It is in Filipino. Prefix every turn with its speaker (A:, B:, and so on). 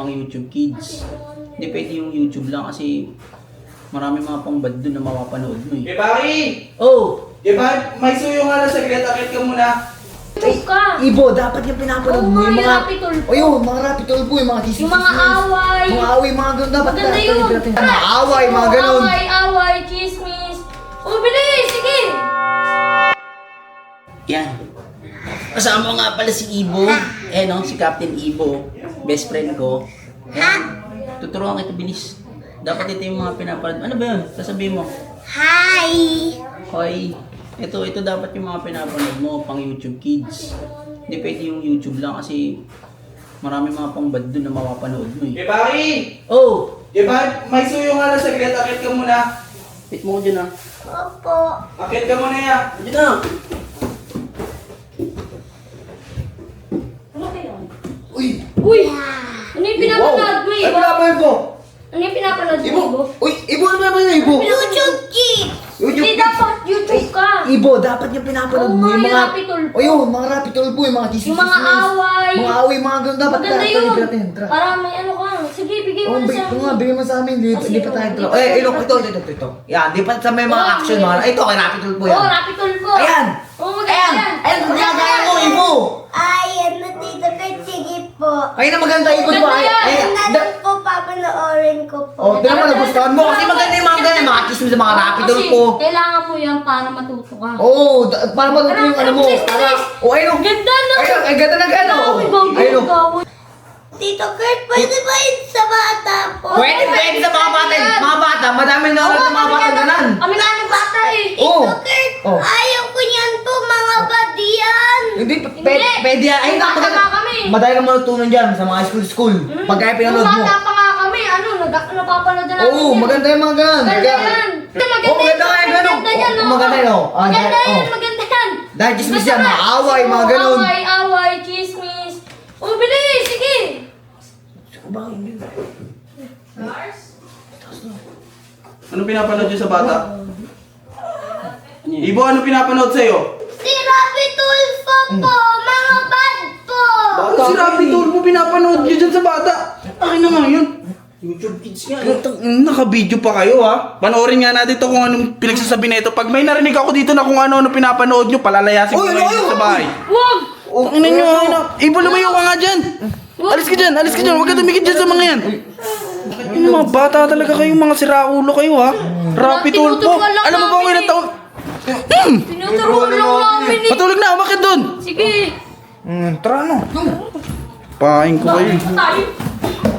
A: pang YouTube Kids. Hindi pwede yung YouTube lang kasi marami mga pangbad doon na mapapanood mo eh.
B: Pari!
A: Oh!
B: May suyo nga na saglit, akit ka muna.
C: Ay,
D: Ibo, dapat yung pinapanood mo yung mga...
C: Rapid Tulpo.
D: O yun, mga Rapid Tulpo, yung mga
C: Yung mga away.
D: Mga away, mga ganun. Dapat
C: Maganda yun.
D: Mga away, mga ganun.
C: Away, chismis. Oh, bilis! Sige!
A: Yan. Kasama ko nga pala si Ibo. No, si Captain Ibo. Best friend ko. Tuturuan kita bilis. Dapat ito yung mga pinapanood. Ano ba yun? Sasabihin mo.
C: Hi!
A: Hoy, ito dapat yung mga pinapanood mo pang YouTube Kids. Hindi pwede yung YouTube lang kasi marami mga pangbad doon na mapapanood mo eh.
B: Pari!
A: Oh!
B: May suyo nga na saglit, akit ka muna.
A: Hit mo ko dyan ah.
C: Opo.
B: Akit ka muna ya.
A: Dyan na!
C: Ano kayo?
D: Uy!
C: Uy! Ano yung pinapanood mo,
D: Ay,
C: Ibo?
D: pinapanood ko!
C: Ano yung pinapanood mo,
D: Ibo!
C: Ibo?
D: Uy, Ibo, ano ba yung Ibo?
C: YouTube Kids! Hindi dapat YouTube ka.
D: Ibo, dapat yung pinapanood
C: Oo
D: mo
C: nga,
D: yung
C: yung
D: mga...
C: Rapid Tulpo.
D: O yun, mga Rapid Tulpo, yung mga chismis.
C: Yung mga away.
D: Mga away, mga ganun. Dapat
C: Maganda yun.
D: Tara.
C: Para may ano ka. Sige, bigay mo
D: Oh,
C: na sa
D: ito nga, bigyan mo sa amin.
C: Kasi
D: Di pa tayo
C: di
D: tro.
C: pa tayo
D: Ito. Yan, di pa sa may mga
C: Oh,
D: action,
C: yeah.
D: mga... Ito, kay Rapid Tulpo yan.
C: Oo, Rapid Tulpo.
D: Ayan!
C: Oo, maganda
D: Ayan!
C: yan.
D: Ayan, magagaya mo, Ibo!
E: Ay, ano dito kay sige po.
D: Ayun na maganda, Ibo, di ba?
C: Maganda yan.
D: Ayan,
E: Ano po, papanoorin ko po.
D: Oh, di naman nagustuhan mo kasi maganda yung mga ganyan, mga chismis, mga Rapid
C: Kasi
D: Tulpo.
C: kailangan mo yan para matuto ka.
D: Oo, para matuto yung ano mo. Para... Oh, ayun, oh.
C: Ganda na.
D: Ayun, ay ganda na gano'n.
C: Ay, bago
D: Ayun,
C: yung
D: oh.
C: gawin.
E: Tito Kurt, pwede ba yun sa bata po?
D: Pwede sa mga bata. Mga bata, madaming nanonood ng mga bata ganan.
C: Kami nga ng bata eh.
D: Oo.
E: Tito Kurt,
D: Oh.
E: ayaw ko niyan po, mga badiyan.
D: Hindi, pwede yan. Ay,
C: Bata
D: maganda.
C: nga kami.
D: Madali ka matutunan dyan sa mga school. Pag kaya pinanood mo.
C: Nung bata pa nga kami, napapanood na namin
D: Oo,
C: yan.
D: maganda yung mga ganan.
C: Maganda yan.
D: Oo, maganda nga yung ganon.
C: Maganda yan, no?
D: Maganda yun, oh. Ah,
C: Maganda
D: oh.
C: yan, maganda yan.
D: Dahil chismis yan,
C: Basta
D: mga
C: nga,
D: away, mga
C: kasi
D: ganon.
C: Away, chismis. Oh, bilis, sige.
B: Ano pinapanood yun sa bata? Ibo, ano pinapanood sa'yo?
E: Si Rapi Tulfo po, mga bad po.
B: Bakit si Rapid Tulpo pinapanood nyo dyan sa bata? Akin na nga yun.
A: YouTube Kids nga.
B: Naka-video pa kayo ha. Panoorin nga natin to kung anong pinagsasabi na ito. Pag may narinig ako dito na kung ano pinapanood nyo, palalayasin ko ngayon sa bahay.
C: Wag.
B: Ina nyo, Ibo, lumayo ka nga dyan. Alis ka dyan. Huwag ka tumikit dyan sa mga yan. Yung mga bata talaga kayo, mga siraulo kayo ha. Rapid Tulpo.
C: Tinuturuan lang
B: Alam mo ba kung
C: namin
B: ilang
C: eh.
B: taon?
C: Tinuturuan lang namin eh.
B: Patulog na, bakit doon?
C: Sige.
B: Tara no. Pahain ko kayo.
C: Tayo.